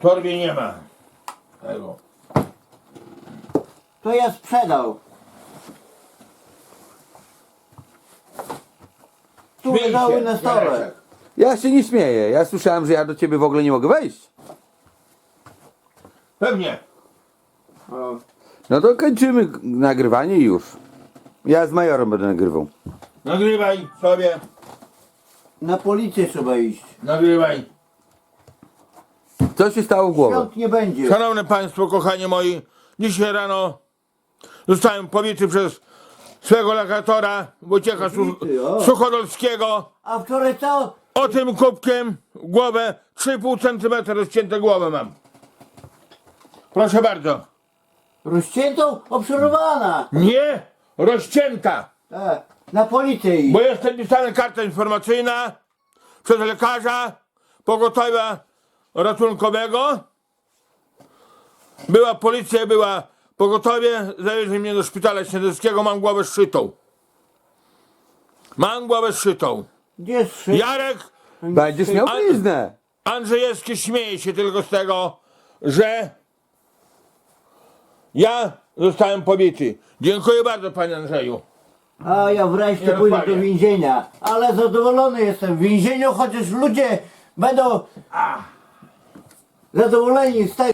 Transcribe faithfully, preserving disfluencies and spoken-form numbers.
torbie nie ma tego. To ja sprzedał. Tu Śmiej leżały się, na stole. Jareczek. Ja się nie śmieję. Ja słyszałem, że ja do ciebie w ogóle nie mogę wejść. Pewnie. O. No to kończymy nagrywanie i już. Ja z majorem będę nagrywał. Nagrywaj sobie. Na policję trzeba iść. Nagrywaj. Co się stało w głowę? Świąt nie będzie. Szanowne Państwo, kochani moi, dzisiaj rano zostałem pobity przez swego lokatora Wojciecha Su Pobity, o. Suchodolskiego A wczoraj co? o tym kubkiem w głowę trzy i pół centymetra rozcięte głowę mam. Proszę bardzo. Rozciętą? Obserwowana. Nie rozcięta, Tak. Na policję iść. bo jest napisana karta informacyjna przez lekarza pogotowia ratunkowego. Była policja, była pogotowie, zawieźli mnie do szpitala śniadeskiego, mam głowę zszytą. Mam głowę zszytą. Gdzie jest szyb? Jarek Będziesz miał A- bliznę. Andrzejewski śmieje się tylko z tego, że ja zostałem pobity. Dziękuję bardzo, panie Andrzeju. A ja wreszcie Nie pójdę do rozmawiam. więzienia. Ale zadowolony jestem w więzieniu, chociaż ludzie będą zadowoleni z tego.